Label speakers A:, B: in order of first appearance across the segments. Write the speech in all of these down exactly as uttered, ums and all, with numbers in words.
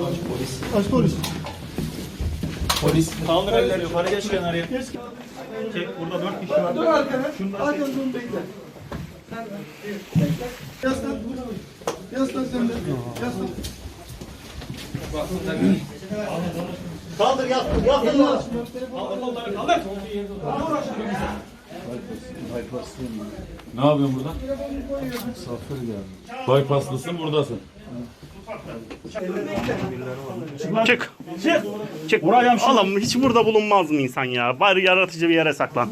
A: Aç polis.
B: Polis. Kaldır elleri yukarı, geç kenarıya. Çek, burada dört kişi var.
A: Dur arkana. Arkana dur bekle. Yaslan. Yaslan sen de. Yaslan.
B: Kaldır, yaslan, yaslan. Kaldır kolları, kaldır.
C: Ne yapıyorsun burada? Misafir geldi. Bypasslısın, buradasın.
D: Çık. Çık. Çık. Oğlum hiç burada bulunmaz mı insan ya? Bari yaratıcı bir yere saklan.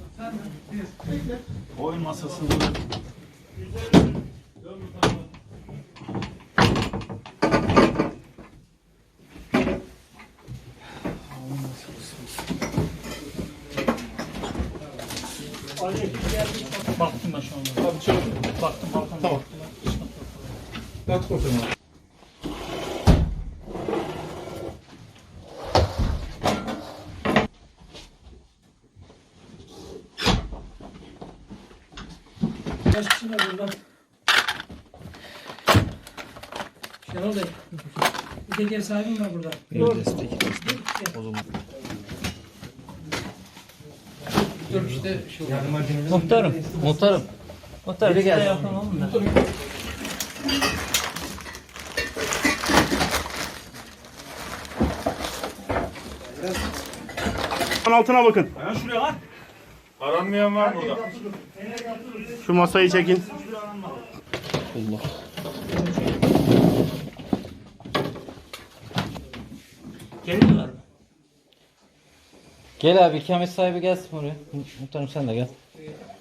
B: Oyun masası.
E: Baktım ben şu anda. Abi çabuk. Baktım baktım. Tamam.
A: Kalk bakalım.
E: Kaç kişi var burada? Şenol Bey. Bir tek ev sahibi mi var burada? Yok. O zaman. Dur işte şu.
F: Muhtarım, muhtarım. Muhtarım, biri gelsin.
D: Altına bakın.
B: Ayağın şuraya lan.
C: Aranmayan var burada.
D: Şu masayı çekin.
E: Geliyorlar mı?
F: Gel abi, ikamet sahibi gelsin buraya. Muhtarım sen de gel.